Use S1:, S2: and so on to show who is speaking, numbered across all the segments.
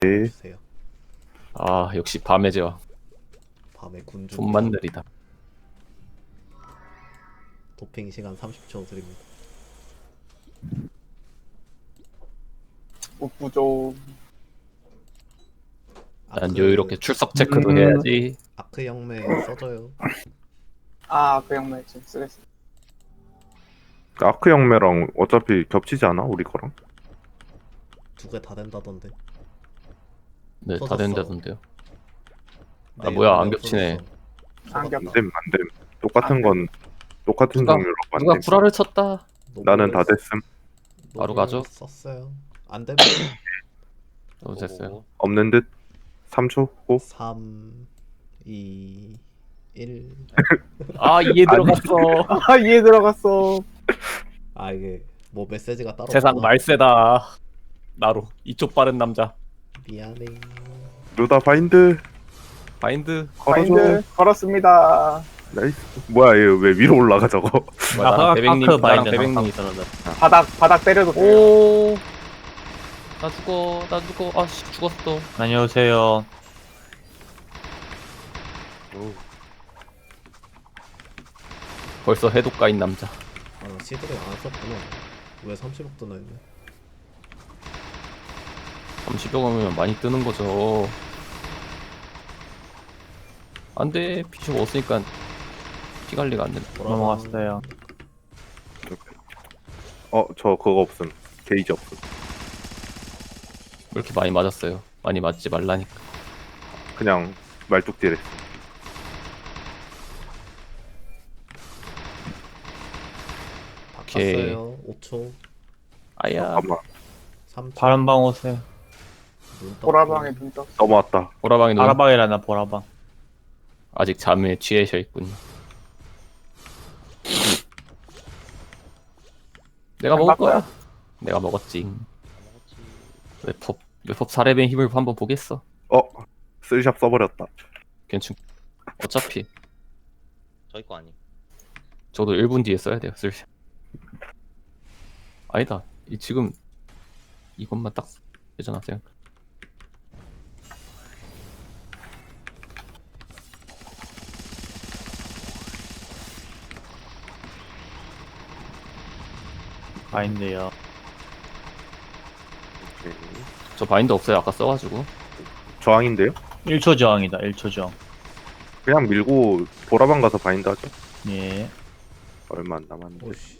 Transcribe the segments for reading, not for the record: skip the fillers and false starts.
S1: 네.
S2: 주세요.
S3: 아 역시 밤의 제왕.
S2: 밤에 군주
S3: 손만 느리다.
S2: 도핑 시간 30초 드립니다.
S4: 부족.
S3: 난 여유롭게 출석 체크도 해야지.
S2: 아크 영매 써줘요.
S4: 그 형매 지금 쓰겠어.
S1: 아크 영매랑 어차피 겹치지 않아? 우리 거랑?
S2: 두 개 다 된다던데.
S3: 네, 다
S2: 터졌어.
S3: 된다던데요. 아,
S2: 네,
S3: 뭐야,
S2: 영매
S3: 안 겹치네.
S2: 없어졌어.
S4: 안 겹.
S1: 안됨. 똑같은 건 똑같은
S3: 누가-
S1: 종류로
S3: 누가
S1: 안됨.
S3: 구라를 쳤다.
S1: 나는 다 됐음.
S3: 바로 가죠?
S2: 썼어요. 안 되면
S3: 어, 됐어요.
S1: 없는 듯. 3초 고.
S2: 3, 2, 1.
S3: 아 이해 들어갔어.
S4: 이해 들어갔어.
S2: 아 이게 뭐 메시지가 따로
S3: 세상
S2: 없구나.
S3: 말세다. 나로 이쪽 빠른 남자.
S2: 미안해.
S1: 루다 바인드.
S3: 바인드.
S1: 걸어줘.
S4: 바인드 걸었습니다.
S1: 나이스. 뭐야 얘 왜 위로 올라가 저거?
S3: 뭐야, 나랑 대백님, 나랑 대백님이
S4: 바닥 때려도 돼요.
S3: 오. 나 죽어. 아씨 죽었어.
S5: 안녕하세요.
S3: 벌써 해독가인 남자.
S2: 아나 시드를 안 썼구나. 왜 30억 뜨나 했네.
S3: 30여 가면 많이 뜨는 거죠. 안돼. 피숍 없으니까 피 관리가 안 된다.
S5: 넘어갔어요.
S1: 저 그거 없음. 게이지 없음.
S3: 왜 이렇게 많이 맞았어요? 많이 맞지 말라니까.
S1: 그냥 말뚝딜 했어.
S3: 오케이.
S2: 바꿨어요. 5초,
S3: 아야.
S1: 잠깐만.
S2: 3초.
S5: 바람방 오세요.
S4: 보라방에 눈 떴어.
S1: 넘어왔다.
S3: 보라방이 눈
S5: 바라방이라나 보라방.
S3: 아직 잠에 취해져 있군요. 내가 먹을 거야. 내가 먹었지. 웹법 4렙의 힘을 한번 보겠어.
S1: 쓰리샵 써버렸다.
S3: 괜찮. 어차피
S6: 저희 거 아니.
S3: 저도 1분 뒤에 써야 돼요. 쓸. 아니다. 지금 이것만 딱 되잖아. 생각.
S5: 바인드요.
S1: 오케이.
S3: 저 바인드 없어요. 아까 써가지고.
S1: 저항인데요?
S5: 1초 저항이다. 1초 저항.
S1: 그냥 밀고 보라방 가서 바인드 하죠.
S5: 예.
S1: 얼마 안 남았는데.
S2: 오씨.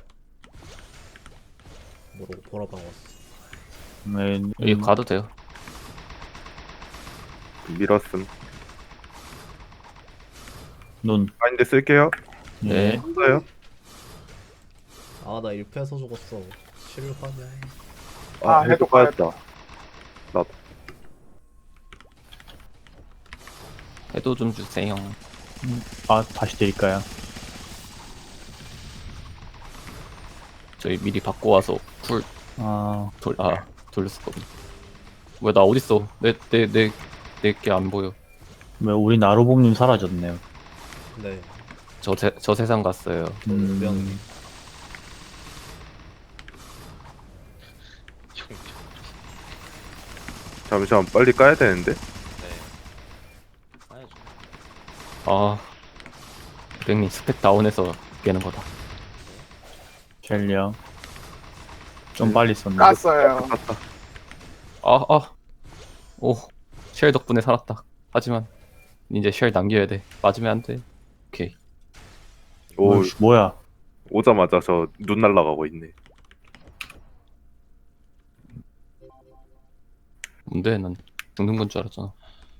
S2: 모르고 보라방 왔어.
S3: 여기 가도 돼요.
S1: 밀었음.
S5: 눈.
S1: 바인드 쓸게요.
S3: 네.
S5: 예.
S1: 써요.
S2: 아 나 1패에서 죽었어. 실화냐.
S4: 해독
S1: 해독 빠졌다.
S3: 해도 좀 주세요.
S5: 다시 드릴까요?
S3: 저희 미리 바꿔 와서 쿨 돌렸었거든. 왜 나 어딨어? 내 게 안 보여.
S5: 왜 우리 나로봄님 사라졌네요.
S2: 네.
S3: 저 세상 갔어요.
S2: 저는 명.
S1: 잠시만 빨리 까야 되는데.
S6: 아야죠.
S3: 아, 백님 스펙 다운해서 깨는 거다.
S5: 젤리요. 좀 빨리 썼네.
S4: 깠어요.
S1: 깠다.
S3: 오, 쉘 덕분에 살았다. 하지만 이제 쉘 남겨야 돼. 맞으면 안 돼. 오케이.
S1: 오
S5: 뭐야?
S1: 오자마자 저 눈 날라가고 있네.
S3: 뭔데? 난 죽는 건 줄 알았잖아.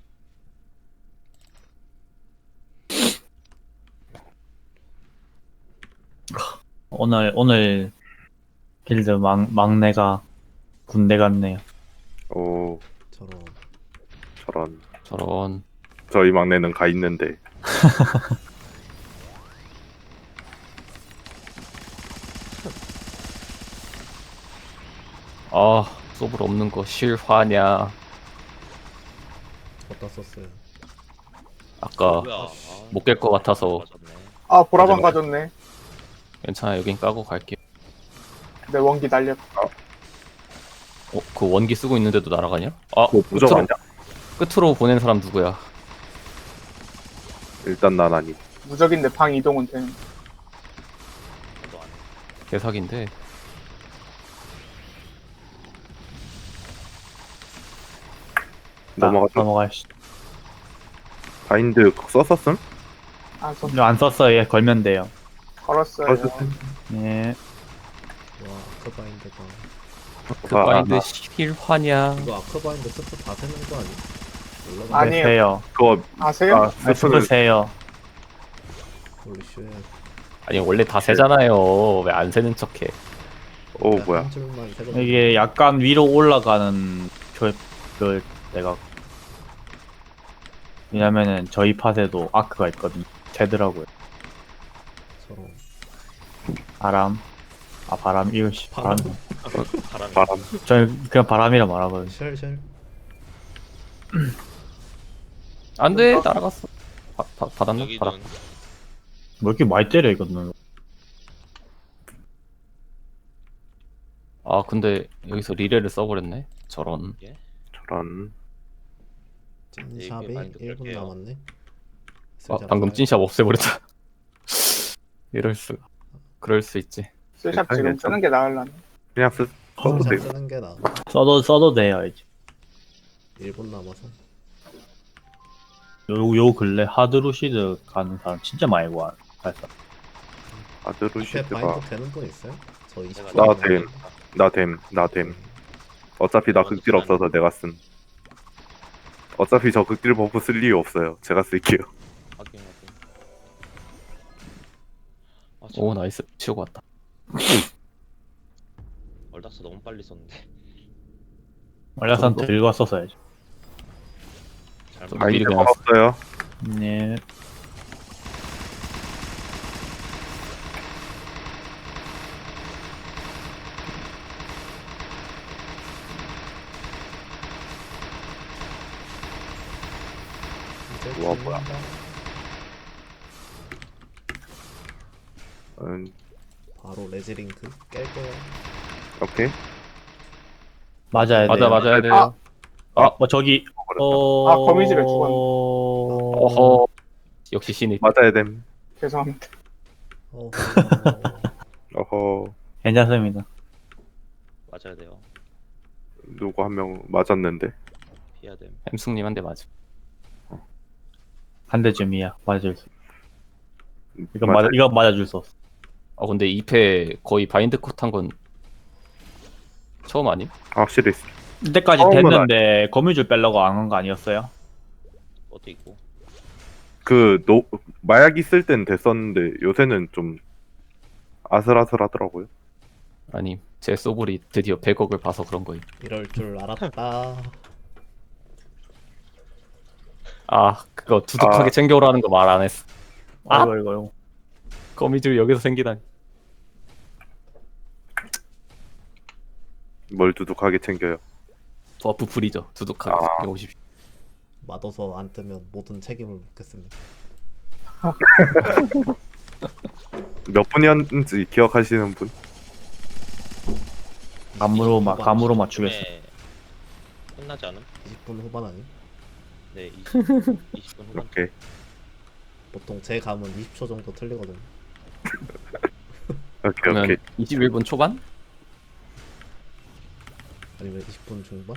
S5: 오늘 빌드 막내가 군대 갔네요.
S1: 오
S2: 저런.
S3: 저런.
S1: 저희 막내는 가 있는데.
S3: 소불 없는 거 실화냐?
S2: 어디다 썼어요?
S3: 아까
S6: 뭐야?
S3: 못 깰 것 같아서.
S6: 맞았네.
S4: 보라방
S3: 맞아.
S4: 가졌네.
S3: 괜찮아. 여긴 까고 갈게.
S4: 내 원기 날렸다.
S3: 그 원기 쓰고 있는데도 날아가냐? 아,
S1: 뭐 무적
S3: 끝으로,
S1: 아니야?
S3: 끝으로 보낸 사람 누구야?
S1: 일단 난 아니.
S4: 무적인데 방 이동은 되는.
S6: 저도 안 해.
S3: 개사기인데.
S1: 넘어가죠.
S5: 넘어가시.
S1: 바인드 썼었음?
S4: 아, 저
S5: 안 썼어요. 예, 걸면 돼요.
S4: 걸었어요.
S5: 예.
S2: 와 아크바인드가
S3: 그
S1: 아,
S3: 바인드
S1: 아,
S3: 실화냐?
S2: 이거 아크바인드 스프 다 세는 거 아니야? 몰라.
S4: 아니에요.
S5: 세요.
S1: 그거
S4: 아세요?
S1: 아
S5: 아, 스프 세요.
S2: 홀리쉣.
S3: 아니 원래 다 세잖아요. 왜 안 세는 척해?
S1: 오 뭐야?
S2: 한 줄만 세거든.
S5: 이게 약간 위로 올라가는 그 내가 왜냐면은 저희 팟에도 아크가 있거든요. 되더라고요.
S2: 서로
S5: 바람. 아 바람 이거 씨 바람.
S6: 바람이.
S1: 바람.
S5: 저는 그냥 바람이라 말하거든요.
S2: 쉘쉘.
S3: 안돼 날아갔어. 받았나?
S6: 여기는
S3: 받았.
S5: 왜 이렇게 많이 때려 이거는.
S3: 근데 여기서 리레를 써버렸네. 저런.
S1: 저런.
S2: 찐샵이
S6: 네, 바인드
S2: 1분
S6: 끌게요.
S2: 남았네.
S3: 방금 찐샵 없애버렸다. 이럴 수가. 그럴 수 있지.
S4: 스샵 지금
S1: 괜찮아.
S4: 쓰는 게 나을라네.
S1: 그냥 써도
S2: 샵
S1: 돼.
S2: 쓰는 게 나.
S5: 써도 돼요 이제.
S2: 1분 남아서.
S5: 요 근래 하드루시드 가는 사람 진짜 많이 와. 그래서
S2: 앞에
S1: 아드루시드가
S2: 바인드 되는 분 있어요? 저 20초.
S1: 나
S2: 남았는데.
S1: 됨. 나됨. 어차피 나 극딜 없어서 내가 쓴. 어차피 저 극딜 버프 쓸 이유 없어요. 제가 쓸게요.
S6: 확인 확인. 아,
S3: 오 나이스. 치우고 왔다.
S6: 얼다스 너무 빨리 썼는데.
S5: 원래선
S3: 정도?
S5: 들고 왔었어야지.
S6: 잘못.
S3: 미리
S1: 바인드
S3: 그냥
S1: 걸었어요.
S5: 네.
S2: 이제
S1: 우와, 뭐야.
S2: 죽는다. 바로 레지링크 깰 거야.
S1: 오케이.
S5: 맞아야 돼.
S3: 맞아야 돼요.
S5: 저기
S1: 버렸다.
S4: 아, 거미줄에 죽었네.
S3: 어허. 역시 신입.
S1: 맞아야 됨.
S4: 죄송합니다.
S2: 어허.
S1: 어허.
S5: 괜찮습니다.
S6: 맞아야 돼요.
S1: 누구 한 명 맞았는데.
S6: 피해야 됨.
S3: 햄숙님 한 대 맞음.
S5: 한 대쯤이야. 맞아줄 수.
S1: 맞아.
S5: 이건 맞아줄 수 없어.
S3: 근데 2패 거의 바인드 컷 한 건 처음 아님?
S1: 확실히
S5: 이때까지
S1: 처음은
S5: 됐는데 거미줄 빼려고 안 한 거 아니었어요?
S6: 것도 있고.
S1: 마약 있을 땐 됐었는데 요새는 좀 아슬아슬하더라고요.
S3: 아니 제 소불이 드디어 100억을 봐서 그런 거임.
S2: 이럴 줄 알았다.
S3: 그거 두둑하게 챙겨오라는 거 말 안 했어.
S5: 아이고.
S3: 거미줄 여기서 생기다니.
S1: 뭘 두둑하게 챙겨요.
S3: 버프 풀이죠. 두둑하게
S1: 아.
S3: 150.
S2: 맛없어 안 뜨면 모든 책임을 묻겠습니다.
S1: 몇 분이었는지 기억하시는 분?
S5: 감으로 맞추겠어.
S6: 네. 끝나지 않음?
S2: 20분 후반 아니?
S6: 네, 20분 후반.
S1: 오케이.
S2: 보통 제 감은 20초 정도 틀리거든.
S1: 오케이.
S3: 그러면 21분 초반?
S2: 아니면 20분 중반?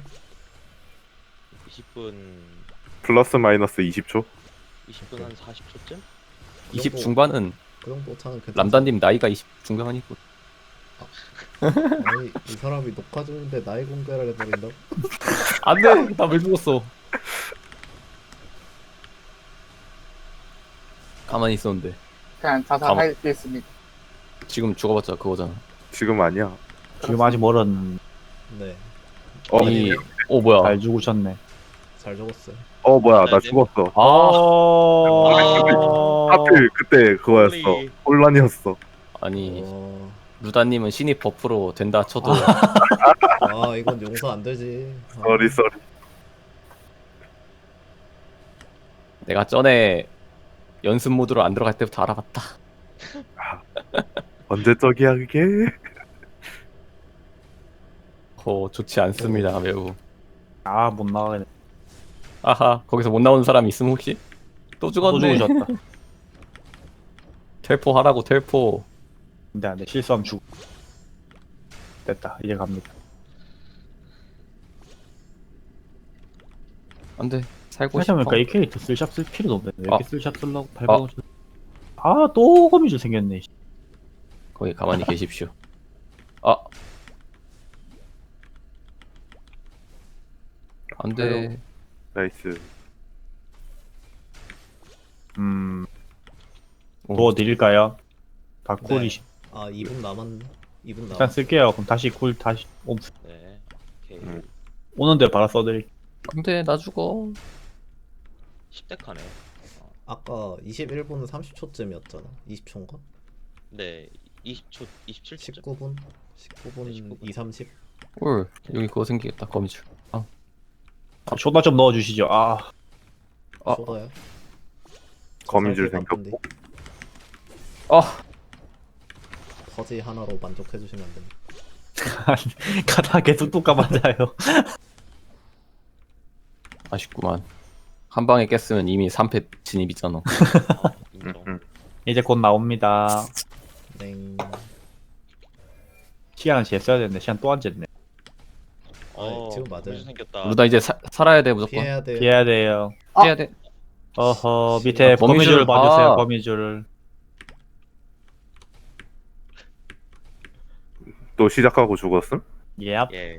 S6: 20분
S1: 플러스 마이너스 20초?
S6: 20분 한 40초쯤?
S3: 20 중반은
S2: 그 정도 오차는 괜찮아.
S3: 람다님 나이가 20 중반이고.
S2: 아니 이 사람이 녹화 중인데 나이 공개를 해버린다고?
S3: 안돼. 나 왜 죽었어? 가만히 있었는데
S4: 그냥 자살하겠습니다.
S3: 지금 죽어봤자 그거잖아.
S1: 지금 아니야.
S5: 지금 아직 멀었는데
S2: 네,
S3: 아니, 뭐야?
S5: 잘 죽으셨네.
S2: 잘 적었어요.
S1: 뭐야 나 죽었어. 하필 그때 그거였어.
S6: 홀리.
S1: 혼란이었어.
S3: 아니
S2: 어...
S3: 루다님은 신입 버프로 된다 쳐도
S2: 이건 용서 안 되지.
S1: 쏘리.
S3: 내가 전에 연습 모드로 안 들어갈 때부터 알아봤다.
S1: 언제적이야 그게?
S3: 좋지 않습니다 매우.
S5: 아, 못 나가네.
S3: 아하 거기서 못 나오는 사람이 있으면 혹시 또
S5: 또
S3: 죽었네.
S5: 죽으셨다.
S3: 텔포 하라고 텔포.
S5: 근데 안 돼. 실수하면 죽. 됐다. 이제 갑니다.
S3: 안돼 살고 싶어.
S5: 생각해보니까 이 캐릭터 쓸샵 쓸 필요도 없네. 왜 이렇게
S3: 아.
S5: 쓸샵 쓰려고 800원 주. 아, 또 거미줄 생겼네. 씨.
S3: 거기 가만히 계십시오. 아 안돼.
S1: 나이스.
S5: 도와드릴까요? 다
S2: 네.
S5: 쿨이.
S2: 아 2분 남았네. 2분
S5: 일단
S2: 남았.
S5: 쓸게요. 그럼 다시 쿨 다시
S6: 네. 오케이.
S5: 오는데 바로 써드릴.
S3: 안돼 나 죽어.
S6: 10대 카네.
S2: 아까 21분 30초쯤이었잖아. 20초인가?
S6: 네. 20초, 27초쯤.
S2: 19분? 19분
S6: 19분.
S2: 2, 30?
S3: 올 여기 그거 생기겠다 거미줄.
S5: 쇼다 좀 넣어주시죠. 아,
S3: 아.
S2: 쏟아요?
S1: 거미줄
S2: 저 살짝
S1: 생겼고.
S3: 아
S2: 퍼지 하나로 만족해주시면 안 됩니다.
S5: 가다 계속 뚜까 맞아요.
S3: 아쉽구만. 한 방에 깼으면 이미 3패 진입이잖아.
S6: 아, 인정.
S5: 이제 곧 나옵니다.
S2: 땡.
S5: 시간은 쟀어야 되는데 시간 또 안 쟀네.
S2: 지금 맞아요.
S6: 거미줄 생겼다.
S3: 루다 이제 살아야 돼 무조건.
S2: 피해야 돼.
S5: 피해야 돼요.
S3: 피해야 돼.
S5: 어허, 밑에
S3: 거미줄을
S5: 거미줄을
S3: 봐.
S5: 봐주세요. 거미줄을.
S1: 또 시작하고 죽었음?
S5: 예.
S6: 예.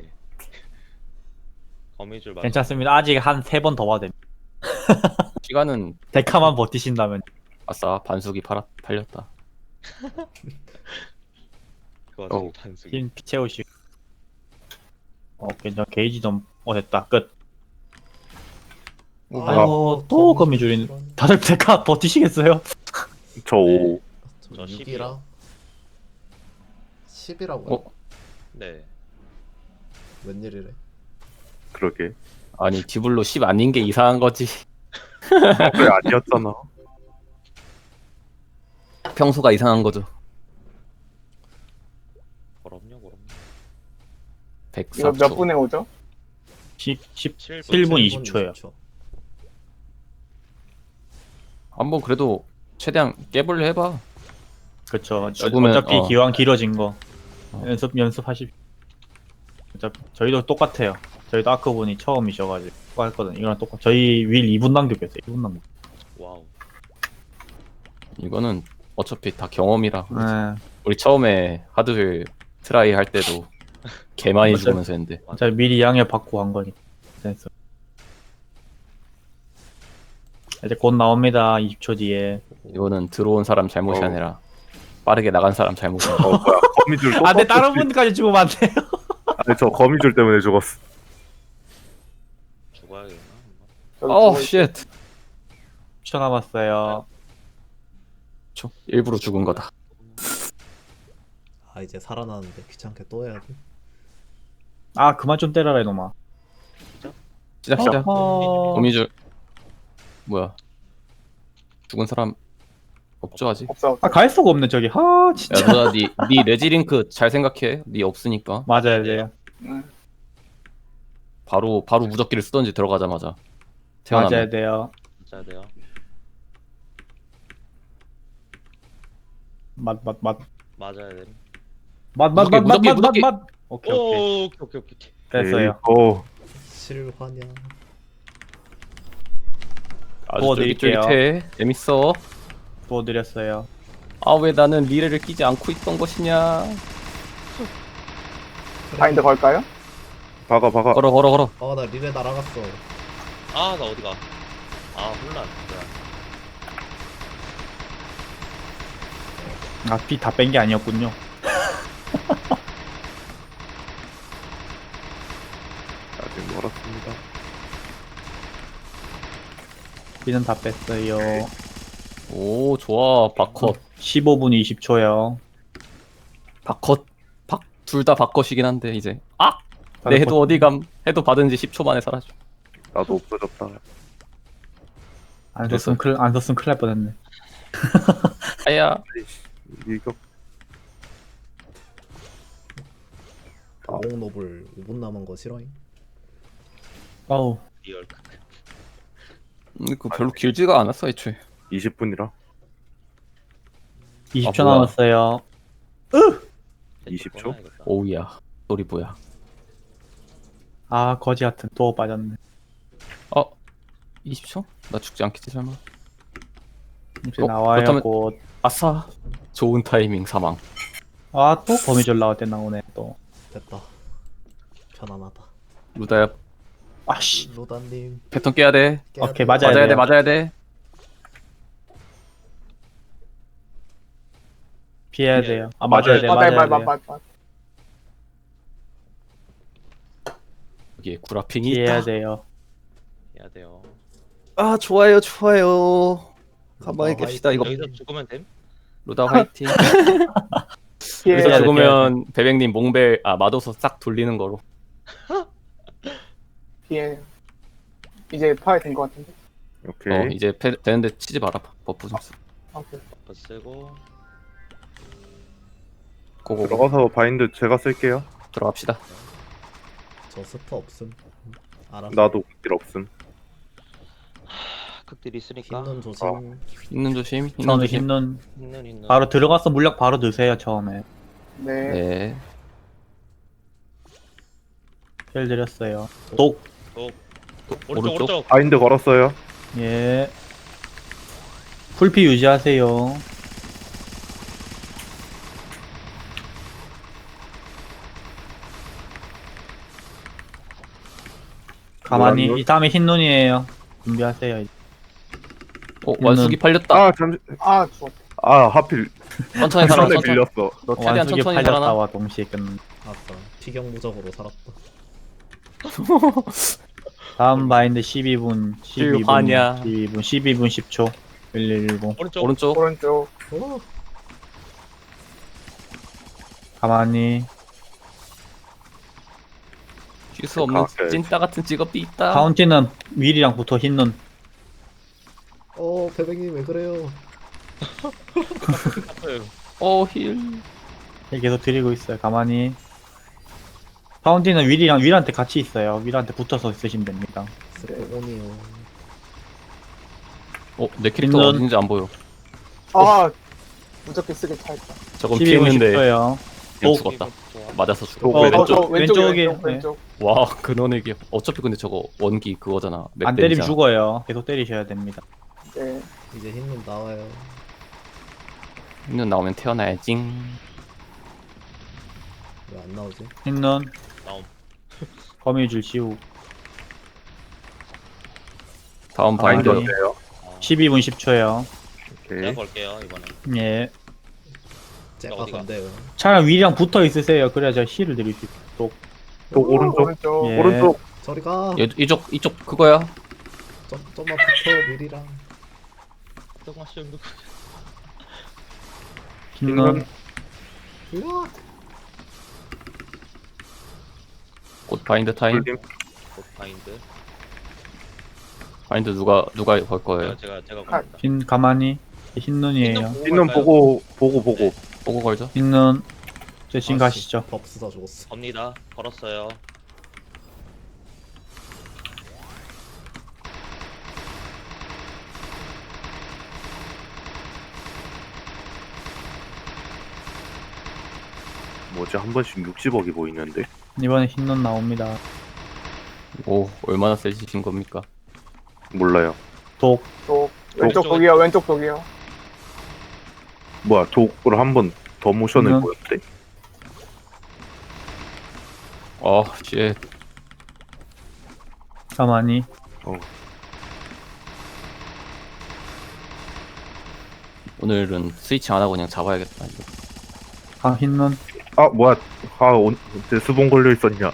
S6: 거미줄 맞아.
S5: 괜찮습니다. 아직 한 3번 더 봐도 됩니다.
S3: 시간은
S5: 데카만 버티신다면.
S3: 아싸 반숙이 팔렸다.
S6: 그 와중에
S3: 어우.
S6: 단수기.
S5: 힘 채우시고. 괜찮아. 게이지 좀. 됐다. 끝. 또 거미줄인. 다들 데카 버티시겠어요?
S1: 저 5.
S2: 저
S6: 저
S2: 6이라 10이라고요?
S3: 어?
S6: 네.
S2: 웬일이래?
S1: 그러게.
S3: 아니 디블로 10 아닌 게 이상한 거지.
S1: 왜 아니었잖아.
S3: 평소가 이상한 거죠.
S6: 그럼요.
S4: 이거
S3: 104초.
S4: 몇 분에 오죠?
S6: 7분.
S5: 7분 20초예요.
S3: 한번 그래도 최대한 깨볼려 해봐.
S5: 그쵸.
S3: 죽으면,
S5: 어차피 기왕 길어진 거.
S3: 어.
S5: 연습하십시오. 어차피 저희도 똑같아요. 저희도 아크분이 처음이셔가지고 똑같거든. 이거랑 똑같. 저희 윌 2분 남겼어요. 2분 남겼.
S6: 와우.
S3: 이거는 어차피 다 경험이라.
S5: 네.
S3: 우리 처음에 하드힐 트라이 할 때도 개 많이
S5: 맞아요.
S3: 죽으면서 했는데.
S5: 어차피 미리 양해 받고 한 거니까. 됐어. 이제 곧 나옵니다. 20초 뒤에.
S3: 이거는 들어온 사람 잘못이
S1: 어.
S3: 아니라 빠르게 나간 사람 잘못이야.
S1: 뭐야. 거미줄 또.
S5: 아, 내 다른
S1: 떴지.
S5: 분까지 죽으면 안 돼요.
S1: 아니, 저 거미줄 때문에 죽었어.
S6: 죽어야겠나?
S3: 어, 쉣.
S5: 10초 남았어요.
S3: 일부러 죽은 거다.
S2: 아 이제 살아나는데 귀찮게 또 해야 돼.
S5: 아, 그만 좀 때려라 이놈아.
S3: 시작.
S5: 어허.
S3: 거미줄. 뭐야? 죽은 사람 없죠 아직?
S4: 없어.
S5: 아, 갈 수가 없네 저기. 하,
S3: 야
S5: 진짜.
S3: 누나 니 레지링크 잘 생각해. 니 없으니까
S5: 맞아야 돼요.
S3: 바로 무적기를 쓰던지 들어가자마자
S5: 맞아야
S3: 태어나면.
S5: 돼요.
S6: 맞아야 돼요.
S5: 맛.
S6: 맞아야 돼.
S3: 무적기.
S5: 오케이, 오케이.
S6: 오케이.
S5: 됐어요.
S1: 오.
S2: 실화냐?
S3: 아주
S5: 도와드릴게요.
S3: 쫄깃쫄깃해. 재밌어.
S5: 도와드렸어요.
S3: 아 왜 나는 리레를 끼지 않고 있던 것이냐.
S4: 바인드 걸까요?
S1: 박아.
S3: 걸어.
S2: 나 리레 날아갔어.
S6: 아, 나 어디가? 아, 혼란.
S5: 아, 피 다 뺀 게 아니었군요.
S1: 아직 멀었습니다.
S5: 피는 다 뺐어요.
S3: 오 좋아. 박컷.
S5: 15분 20초요.
S3: 박컷. 둘 다 박컷이긴 한데 이제. 아! 내 해도 어디감. 해도 받은 지 10초 만에 사라져.
S1: 나도 없어졌다.
S5: 안 썼으면 큰일 날 뻔했네.
S3: 아야.
S1: 이거.
S2: 오공 노블 5분 남은 거 싫어잉?
S5: 어우,
S6: 리얼.
S3: 그 별로 길지가 않았어 애초에.
S1: 20분이라.
S5: 20초
S3: 뭐야.
S5: 남았어요.
S1: 20초?
S3: 오우야. 소리 뭐야?
S5: 아, 거지 같은 또 빠졌네.
S3: 20초? 나 죽지 않겠지 설마?
S5: 이제
S3: 어,
S5: 나와요,
S3: 그렇다면-
S5: 곧.
S3: 아싸. 좋은 타이밍 사망.
S5: 아, 또 거미줄 나올 때 나오네, 또.
S2: 됐다. 편안하다.
S3: 루다야
S5: 아씨.
S2: 로다님
S3: 패턴 깨야 돼.
S2: 깨야
S5: 오케이,
S2: 돼요.
S5: 맞아야
S3: 맞아야 돼.
S5: 돼요.
S3: 맞아야 돼.
S5: 피해야
S6: 피해야
S5: 돼요. 아, 맞아야 돼,
S4: 맞아요,
S5: 맞아야 돼.
S4: 맞아요.
S3: 여기에 구라핑이
S5: 피해야
S3: 있다.
S5: 돼요.
S6: 해야 돼요.
S3: 아 좋아요 좋아요. 가만히
S2: 루다
S3: 깹시다 이거.
S6: 여기서 죽으면 됨?
S3: 루다 화이팅.
S4: 피해.
S3: 여기서
S5: 돼,
S3: 죽으면 배백님 몽벨 마도서 싹 돌리는 거로.
S4: 피해. 이제 파야 된 것 같은데.
S1: 오케이.
S3: 이제 되는데 치지 마라. 버프 좀 써.
S4: 오케이.
S6: 버프 쓰고
S3: 고고
S1: 들어가서 바인드 제가 쓸게요.
S3: 들어갑시다.
S2: 저 스터 없음. 알았어.
S1: 나도 극딜 없음.
S6: 극딜 있으니까
S2: 흰눈 조심.
S3: 있는 조심. 있는
S5: 저는
S3: 조심.
S5: 힘는
S6: 있는
S5: 바로 들어가서 물약 바로 넣으세요, 처음에.
S4: 네.
S3: 네.
S5: 힐 드렸어요. 독.
S6: 오른쪽
S3: 오른쪽?
S6: 오른쪽.
S1: 바인드 걸었어요.
S5: 예. 풀피 유지하세요. 가만히
S1: 노란 눈?
S5: 이 다음에 흰 눈이에요. 준비하세요. 이제.
S3: 완숙이 팔렸다.
S1: 아 잠시.
S4: 아, 죽었다.
S1: 아 하필
S3: 천천히 살아.
S1: 손에
S3: 천천히.
S1: 밀렸어.
S3: 너 최대한
S5: 완숙이
S3: 천천히 살아나.
S5: 팔렸다와 동시에 끝.
S2: 아싸. 피경무적으로 살았다.
S5: 다음 바인드 12분, 12분,
S3: 실화냐.
S5: 12분, 12분 10초. 110.
S6: 오른쪽.
S3: 오른쪽.
S4: 오른쪽.
S2: 오.
S5: 가만히.
S3: 쉴수 없는
S1: 가까이.
S3: 찐따 같은 직업이 있다.
S5: 카운티는 윌이랑 붙어 흰 눈.
S2: 배백님 왜 그래요?
S3: 힐.
S5: 힐 계속 드리고 있어요. 가만히. 파운틴은 윌한테 같이 있어요. 윌한테 붙어서 있으시면 됩니다.
S2: 스포온이요.
S3: 내 캐릭터
S5: 있는-
S3: 어딘지 안 보여.
S4: 아, 무적기 쓰기 차있다.
S3: 저건
S5: 12분
S3: 피했는데
S5: 10초요.
S3: 그냥 죽었다. 맞아서 죽어.
S1: 왼쪽.
S5: 왼쪽, 왼쪽에.
S4: 왼쪽, 왼쪽.
S3: 와 근원에게 어차피 근데 저거 원기 그거잖아. 맵
S5: 안 때리면
S3: 데미지잖아.
S5: 죽어요. 계속 때리셔야 됩니다.
S4: 네.
S2: 이제 흰눈 나와요.
S3: 있는 나오면 태어나야지.
S2: 왜 안 나오지?
S5: 흰 눈.
S6: 나옴.
S5: 거미줄 씌우.
S3: 다음
S1: 바인드
S3: 바인드.
S1: 어때요?
S5: 12분 10초요.
S6: 제가
S1: 오케이.
S6: 걸게요 이번에.
S5: 예.
S2: 제가
S6: 어디가?
S2: 건데요.
S5: 차라리 윌이랑 붙어 있으세요. 그래야 제가 힐을 드릴 수 있어요. 또.
S1: 또 오른쪽.
S4: 오른쪽.
S5: 예.
S1: 오른쪽.
S2: 저리 가.
S3: 이쪽 그거야.
S2: 좀만 붙어 미리랑.
S6: 조금만 씌우면
S5: 흰 눈.
S2: 으아.
S3: 곧 바인드 타임.
S1: 불림.
S6: 바인드.
S3: 바인드 누가 걸 거예요.
S6: 제가
S4: 아,
S6: 겁니다.
S5: 흰 가만히. 흰 눈이에요.
S1: 있는 보고.
S3: 보고 걸죠.
S5: 흰 눈. 제 지금 가시죠.
S2: 법수다 죽었어.
S6: 겁니다. 걸었어요.
S1: 뭐지 한 번씩 60억이 보이는데.
S5: 이번에 흰 눈 나옵니다.
S3: 오 얼마나 세지신 겁니까?
S1: 몰라요.
S5: 독.
S4: 또 왼쪽
S6: 왼쪽.
S4: 독이요. 왼쪽 독이요.
S1: 뭐야 독으로 한 번 더 모션을
S5: 그러면-
S1: 보였대.
S3: 쉣.
S5: 가만히.
S3: 오늘은 스위치 안 하고 그냥 잡아야겠다. 이거.
S5: 흰 눈.
S1: 아 뭐야. 데스본 걸려 있었냐.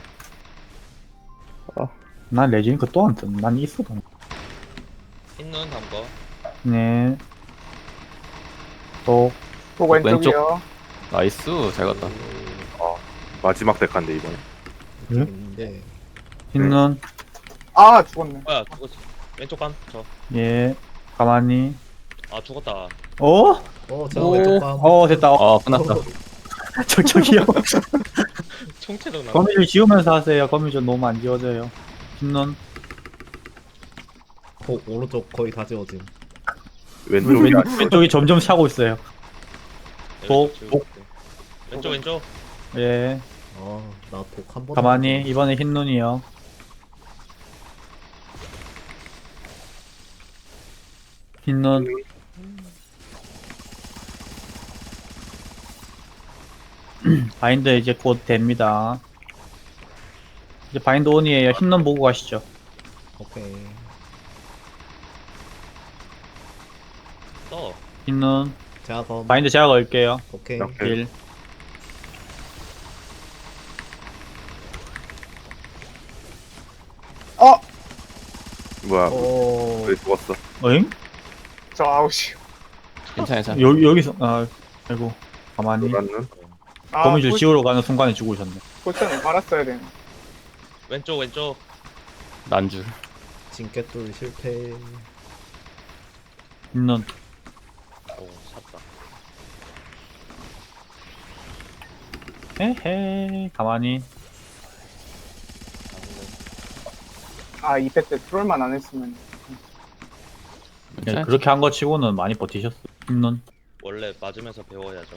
S5: 난 레지링크 또 안 뜬. 난 있어도.
S6: 흰눈 다음 거.
S5: 네. 독.
S4: 독 왼쪽이요.
S3: 나이스 잘 갔다.
S1: 마지막 데카인데 이번에.
S2: 인데
S5: 흰 눈.
S4: 아, 죽었네.
S6: 뭐야 죽었어. 왼쪽 감. 저.
S5: 예. 가만히.
S6: 아 죽었다.
S5: 어?
S2: 제가
S3: 오.
S2: 왼쪽 봐.
S5: 됐다.
S3: 끝났다.
S5: 저기요.
S6: 총체적 나.
S5: 거미줄 지우면서 하세요. 거미줄 너무 안 지워져요. 흰눈.
S2: 오른쪽 거의 다 지워짐.
S1: 왼쪽이 아니
S5: 왼쪽이 점점 차고 있어요. 복.
S6: 왼쪽 왼쪽.
S5: 예.
S2: 나 독 한 번.
S5: 가만히 이번에 흰눈이요. 흰눈. 바인드 이제 곧 됩니다. 이제 바인드 온이에요. 흰눈 보고 가시죠.
S2: 오케이.
S6: 떠.
S5: 흰눈.
S2: 제가 더.
S5: 바인드 제가 걸게요.
S2: 오케이.
S1: 오케이.
S5: 1.
S1: 뭐야
S2: 오.
S1: 왜 죽었어?
S5: 어잉?
S4: 저 아웃이요.
S3: 괜찮아.
S5: 여기서 아이고 가만히
S1: 노란
S4: 아,
S5: 거미줄 지우러 가는 순간에 죽으셨네.
S4: 포션을 갈았어야 되네.
S6: 왼쪽 왼쪽.
S3: 난줄.
S2: 진깨돌 실패.
S5: 흰눈.
S6: 오 샀다.
S5: 헤헤 가만히.
S4: 아, 2패 때 트롤만 안 했으면.
S5: 예, 그렇게 한 거 치고는 많이 버티셨어. 흰눈.
S6: 원래 맞으면서 배워야죠.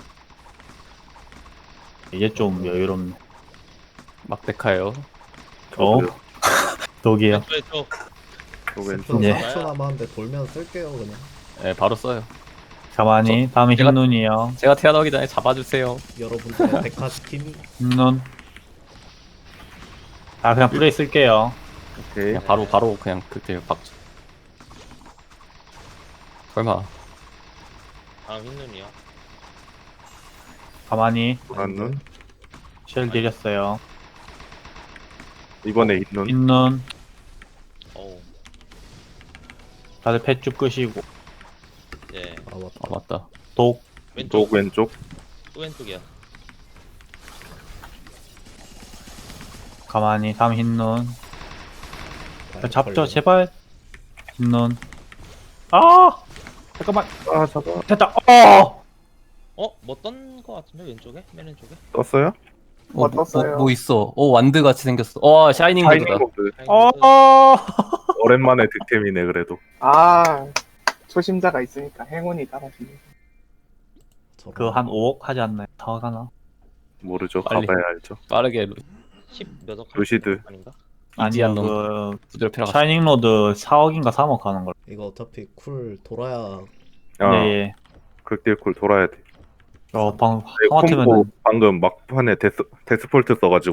S5: 이제 좀 여유롭네.
S3: 막대카요.
S5: 어? 독이에요.
S6: 왼쪽.
S1: 또 왼쪽
S2: 스프로
S5: 예.
S2: 4초 남았는데 돌면 쓸게요 그냥.
S3: 예, 바로 써요.
S5: 가만히. 다음에
S3: 제가-
S5: 흰눈이요.
S3: 제가 태어나기 전에 잡아주세요.
S2: 여러분들의 데카시킴이.
S5: 흰눈. 아 그냥 플레이 쓸게요.
S1: 오케이
S3: 그냥 바로 그냥 그때 박죠. 설마.
S6: 다음 흰눈이요.
S5: 가만히.
S1: 노란 눈
S5: 쉘 드렸어요.
S1: 이번에 있는
S5: 흰눈.
S6: 오.
S5: 다들 펫쭉 끄시고.
S6: 예.
S2: 아 맞다.
S3: 아 맞다.
S5: 독.
S6: 왼쪽.
S1: 왼쪽
S6: 또 왼쪽이야.
S5: 가만히. 다음 흰눈.
S2: 아,
S5: 잡죠
S2: 걸려.
S5: 제발. 흰눈. 아 잠깐만.
S1: 아 잡아
S5: 됐다.
S6: 뭐 떤 거 같은데 왼쪽에? 맨 왼쪽에?
S1: 떴어요?
S4: 떴어요.
S3: 뭐 있어? 오 와드 같이 생겼어. 와 샤이닝
S1: 타이밍
S3: 모드다.
S1: 모드 오랜만에 득템이네 그래도
S4: 아, 초심자가 있으니까 행운이 따라주네.
S2: 저런.
S5: 그거 한 5억 하지 않나요? 더 가나?
S1: 모르죠
S3: 빨리.
S1: 가봐야 알죠
S3: 빠르게
S6: 10몇 억.
S1: 루시드.
S6: 아닌가?
S5: 아니요
S3: 이지한 놈.
S5: 그
S3: 부드럽게
S5: 샤이닝 로드 4억인가 3억 하는 걸.
S2: 이거 어차피 쿨 돌아야.
S1: 아
S5: 네.
S1: 극딜쿨 돌아야 돼
S5: 방
S1: 콤보
S5: 하마터면은
S1: 방금 막판에 데스폴트 써가지고